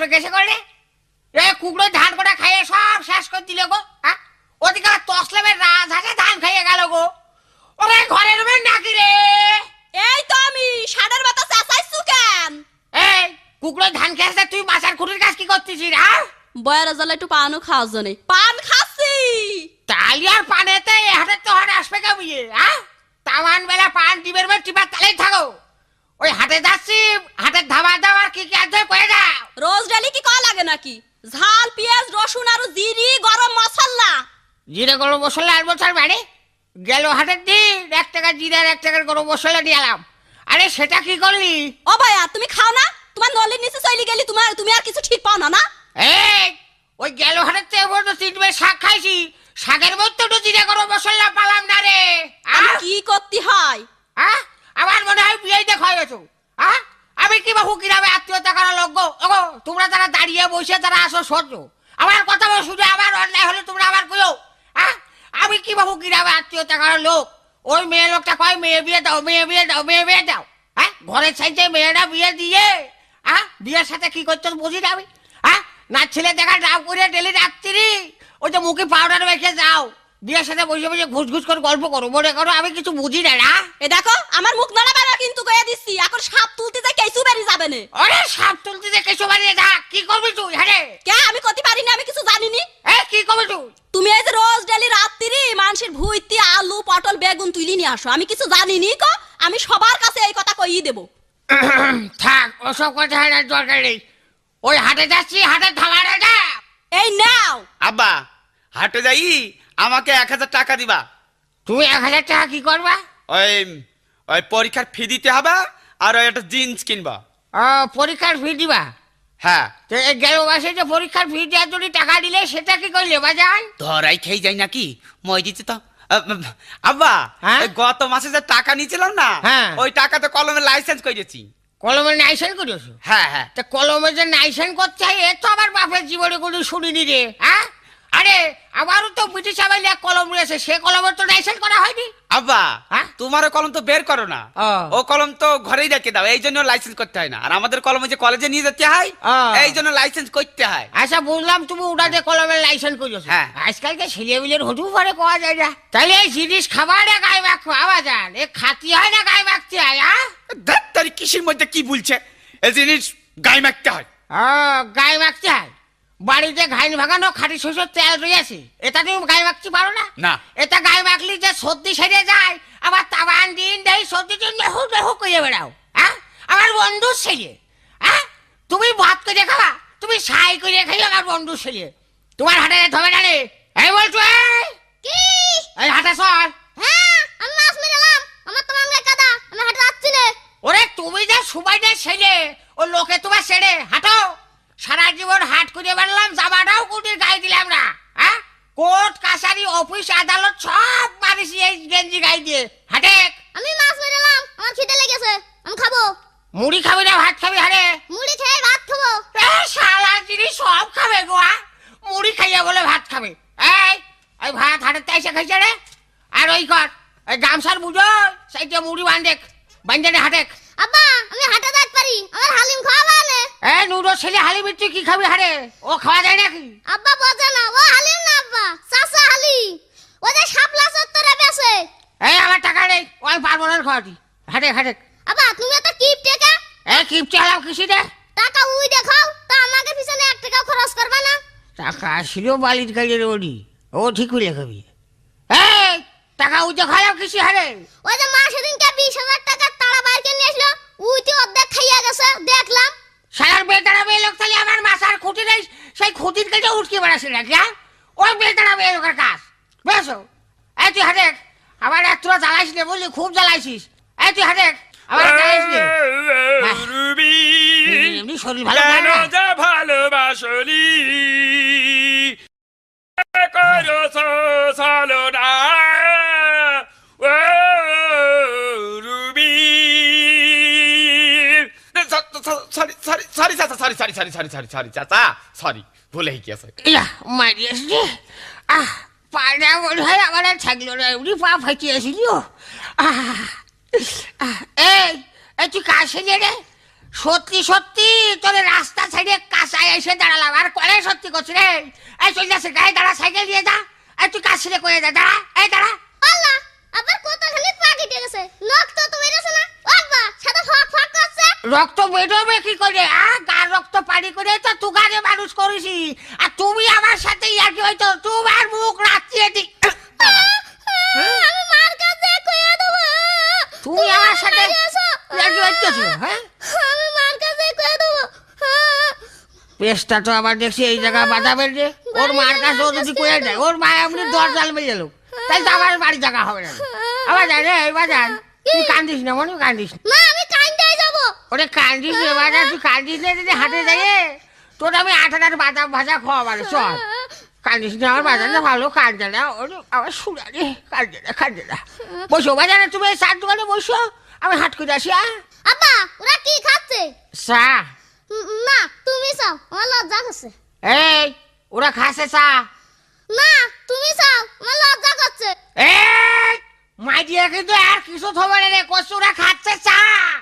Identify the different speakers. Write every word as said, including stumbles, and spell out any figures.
Speaker 1: গেছে করে এ কুকড়ো ধান কটা খাইয়ে সব শেষ করে দিলে গো। হ্যাঁ ওদিকে তসলেমের রাজ হাসে ধান খাইয়ে গেল গো। ওরে ঘরের রুমে নাকি রে?
Speaker 2: এই তো আমি সাড়ের বাতা চাচাইছু কেন?
Speaker 1: এই কুকড়ো ধান খেয়েছে তুই মাছের খুঁটির কাজ কি করতেছিস? হ্যাঁ
Speaker 2: বয়ের জ্বালা একটু পানও খাওয়ার জন্য পান খাচ্ছি।
Speaker 1: তালি আর পানেতে হাতে তো হাট আসবে কেমিয়ে? হ্যাঁ তামান বেলা পান টিপের বেলা টিপার তালেই থাকো। ওই হাটে যাচ্ছি হাটের ধাবা দাবার কি কি আছে কয়ে যাও।
Speaker 2: রোজ ডেলি কি কয় লাগে নাকি? ঝাল পেঁয়াজ রসুন আর জিরি গরম মশলা।
Speaker 1: জিরে গরম মশলা আর বছর মানে গেল হাটের দিন এক টাকা জিরে আর এক টাকার গরম মশলা নিয়ে এলাম। আরে সেটা কি করলি?
Speaker 2: ও ভাইয়া তুমি খাও না? তোমার নলির নিচে চলে গেলি তোমার তুমি আর কিছু ঠিক পাও না না?
Speaker 1: এই ওই গেল হাটের থেকে বলতো তিনবার শাক খাইছি, শাকের মধ্যে তো জিরে গরম মশলা পালাম না রে।
Speaker 2: আমি কি করতে হয়?
Speaker 1: হ্যাঁ আমার মনে হয় বিয়ে দেখা গেছো। হ্যাঁ আমি কি বাবু কিভাবে আত্মীয়তা করা লোক গো। ওগো তোমরা যারা দাঁড়িয়ে বসে তারা আসো সহ্য আমার কথা বল শুনে আমার অন্যায় হলে তোমরা আবার কইও। হ্যাঁ আমি কি বাবু কিভাবে আত্মীয়তা করার লোক। ওই মেয়ে লোকটা কয় মেয়ে বিয়ে দাও মেয়ে বিয়ে দাও মেয়ে বিয়ে দাও। হ্যাঁ ঘরের সাইডে মেয়েরা বিয়ে দিয়ে হ্যাঁ বিয়ের সাথে কি করছো বুঝি না আমি। হ্যাঁ না ছেলে দেখা ডাব করে ডেলি রাত্রি ওই যে মুখে পাউডার মেখে যাও বিয়ের সাথে বসে বসে ঘুষ ঘুষ করে গল্প করো মনে করো আমি কিছু বুঝি না। না
Speaker 2: এ দেখো আমার মুখ নড়াবে না কিন্তু কয়ে দিচ্ছি এখন সাপ তুলতে যাই কেসু বেরি যাবে না।
Speaker 1: আরে সাপ তুলতে যে কেসু বানিয়ে যা কি করবি তুই? হ্যাঁ
Speaker 2: কে আমি করতে পারি না আমি কিছু জানি নি।
Speaker 1: এ কি করবি তুই?
Speaker 2: তুমি এই যে রোজ ডেলি রাত্রি মানুষের ভুইতি আলু পটল বেগুন তুলি নিয়ে আসো আমি কিছু জানি নি কো আমি সবার কাছে এই কথা কইই দেব।
Speaker 1: থাক ওসব কথা আর দরকার নেই। ওই হাটে যাচ্ছি হাটের ধাবারে যা।
Speaker 2: এই নাও
Speaker 3: আব্বা হাটে যাই আমাকে এক হাজার টাকা দিবা।
Speaker 1: তুমি এক হাজার টাকা কি করবা?
Speaker 3: ওই ওই পরীক্ষার ফি দিতে হবে আর ওই একটা জিন্স কিনবা।
Speaker 1: ও পরীক্ষার ফি দিবা?
Speaker 3: হ্যাঁ
Speaker 1: তো এই গেল মাসে যে পরীক্ষার ফি দেওয়ার জন্য টাকা দিলে সেটা কি করলে বাজান?
Speaker 3: ধরাই খেয়ে যাই নাকি মই দিতে তো আ, আব্বা
Speaker 1: হ্যাঁ?
Speaker 3: এই গত মাসে যে টাকা নিয়েছিলাম না
Speaker 1: হ্যাঁ।
Speaker 3: ওই টাকাতে কলমের লাইসেন্স করেছি।
Speaker 1: কলমে নাইসেন করেছো?
Speaker 3: হ্যাঁ হ্যাঁ
Speaker 1: তা কলমে যে নাইসেন করতে হয় এ তো আমার বাপের জীবনে কোনো শুনিনি রে। হ্যাঁ আরে আমারও তো ব্রিটিশ আমলে এক কলম রয়েছে সে কলমের তো নাইসেন করা হয়নি।
Speaker 3: আব্বা
Speaker 1: হ্যাঁ?
Speaker 3: তোমার কলম তো বের করো না
Speaker 1: ও।
Speaker 3: ও কলম তো ঘরেই রেখে দাও এই জন্য লাইসেন্স করতে হয় না। আর আমাদের কলমে যে কলেজে নিয়ে যেতে হয়
Speaker 1: ও।
Speaker 3: এই জন্য লাইসেন্স করতে হয়।
Speaker 1: আচ্ছা বুঝলাম তুমি ওটাতে কলমের লাইসেন্স করেছো।
Speaker 3: হ্যাঁ।
Speaker 1: আজকালকে ছেলেমিলের হটু পরে কোয়া যায় না। তাহলে এই জিনিস খাবার না গায়ে মাখো আবার যান এ খাতি হয় না গায়ে মাখতে হয়? হ্যাঁ
Speaker 3: ধ্যাৎ, তার কিসের মধ্যে কি বলছে এই জিনিস গায়ে মাখতে হয়।
Speaker 1: ও গায়ে মাখতে হয়। বাড়িতে ঘাইন ভাগানো খাঁটি শস্যের তেল রয়েছে এটা তুমি গায়ে মাখতে পারো না?
Speaker 3: না।
Speaker 1: এটা গায়ে মাখলি যে সর্দি সেরে যায় আবার তাবান দিন দেয় সর্দি দিন নেহু নেহু করে বেড়াও। হ্যাঁ আমার বন্ধু ছেলে। হ্যাঁ তুমি ভাত করে খাবা তুমি সাই করে খাই আমার বন্ধু ছেলে তোমার হাটে ধবে না রে। এই বলছো এই
Speaker 2: কি
Speaker 1: এই হাটে সর।
Speaker 2: হ্যাঁ আমি মাছ মেরালাম আমার তো মাংলা কাদা আমি হাঁটতে যাচ্ছি না।
Speaker 1: ওরে তুমি যে সুবাইদের ছেলে ও লোকে তোমার ছেড়ে হাঁটো সারা জীবন হাট করে বেড়ালাম জামাটাও কুটির গায়ে দিলাম না। হ্যাঁ কোর্ট কাছারি অফিস আদালত সব মারিছি এই গেঞ্জি গায়ে দিয়ে। হাটে
Speaker 2: আমি মাছ মেরালাম আমার খিদে লেগেছে আমি খাবো।
Speaker 1: মুড়ি খাবি না ভাত খাবি? হারে
Speaker 2: মুড়ি খেয়ে ভাত খাবো।
Speaker 1: এ শালা জিনিস সব খাবে গোয়া মুড়ি খাইয়া বলে ভাত খাবে। এই এই ভাত হাটের তাইসে খাইছে রে। আর ওই কর ওই গামছার বুঝো সেইটা মুড়ি বান্ধেক বান্ধে হাটেক।
Speaker 2: আব্বা আমি হাঁটে যাইতে পারি আমার হালিম খাওয়াবা না।
Speaker 1: এ নুডো ছেলে হালি মিট্টি কি খাবি? হারে ও খাওয়া যায় নাকি?
Speaker 2: আব্বা বোঝে না ও হালিম না আব্বা চাচা হালিম ও যে শাপলা চত্বরে বেচে।
Speaker 1: এই আমার টাকা নেই ওই পারবো না খাওয়াটি। হাটে হাটে
Speaker 2: আব্বা তুমি এত কিপ টাকা
Speaker 1: এ কিপটে হালাম কিসি রে?
Speaker 2: টাকা উই দেখাও তা আমাকে পিছনে এক টাকা খরচ করবে না।
Speaker 1: টাকা ছিল বালির কাজে রে ওডি ও ঠিক হইলে খাবি। এই টাকা উই দেখালাম কিসি? হারে
Speaker 2: ওই যে মা সেদিনকে বিশ হাজার টাকার তাড়া বাইর করে নিয়ে আসলো উইতে অর্ধেক খাইয়া গেছে দেখলাম।
Speaker 1: সারার বেতারা মেয়ে লোক তাহলে আমার মাথার খুঁটি নেই সেই খুঁটির কাছে উঠকে বেড়াচ্ছে নাকি? হ্যাঁ ওই বেতারা মেয়ে লোকের কাজ বেশো। এই তুই হাটেক আমার এক তোরা জ্বালাইস নে বললি খুব জ্বালাইছিস। এই তুই হাটেক আমার জ্বালাইস নে
Speaker 3: রুবি
Speaker 1: এমনি শরীর ভালো থাকে
Speaker 3: কেন
Speaker 1: না।
Speaker 3: যে ভালোবাসলি করো সালোনা ও রুবি সরি সরি সরি চাচা sorry sorry sorry sorry sorry sorry চাচা সরি ভুলে গিয়েছে।
Speaker 1: ইয়া মারিয়াস রে আহ পাড়া মনে হয় আমার আর থাকলো না এমনি পা ফাটিয়েছিলি। ও আহ আহ, এই এই তুই কাছে রে সত্যি সত্যি তোর রাস্তা সাইডে কাঁচায় এসে দাঁড়ালাম আর কলে সত্যি করছি রে। এই চল যাচ্ছে গায়ে দাঁড়া, সাইকেল দিয়ে যা। এই তুই কাজ ছেড়ে করে যা, দাঁড়া, এই দাঁড়া।
Speaker 4: আল্লাহ আবার কত খালি পা কেটে গেছে, রক্ত তো বেরোছে না। আব্বা সাদা ফাক ফাক করছে।
Speaker 1: রক্ত বেরোবে কি করে? আ গার রক্ত পানি করে তো তুগারে মানুষ করেছি, আর তুমি আমার সাথে ইয়ার্কি হয়তো তোমার মুখ রাখিয়ে দি।
Speaker 4: আমি মার কাছে কইয়া দেব।
Speaker 1: তুমি আমার সাথে ইয়ার্কি হইতেছো? হ্যাঁ,
Speaker 4: আমি মার কাছে কইয়া দেব।
Speaker 1: পেস্টটা তো আবার দেখছি এই জায়গা বাঁধাবেন যে ওর মার কাছে ও যদি কয়ে দেয়, ওর মা এমনি দর জাল মেরে গেল, তাই তো আমার বাড়ি জায়গা হবে না। আবার জান রে, এবার জান তুই কান্দিস না, মনে কান্দিস না।
Speaker 4: মা আমি কাইন্দাই যাব।
Speaker 1: ওরে কান্দিস রে বাজার, তুই কান্দিস না যদি হাটে যাইয়ে তোর আমি আঠাটার বাদাম ভাজা খাওয়াবার। চল কান্দিস না, আমার বাজার না ভালো কান্দে না, ওর আমার শুনা রে, কান্দে না কান্দে না। বসো বাজারে, তুমি এই চার দোকানে বসো, আমি হাট করে আসি। হ্যাঁ
Speaker 4: আব্বা ওরা কি খাচ্ছে?
Speaker 1: চা।
Speaker 4: উম, না তুমি চাও, আমার লজ্জা করছে।
Speaker 1: এই ওরা খাসে চা।
Speaker 4: না তুমি চাও, আমার লজ্জা করছে।
Speaker 1: এই মাই দিয়ে কিন্তু আর কিছু থবে রে, কচুরা খাচ্ছে চা।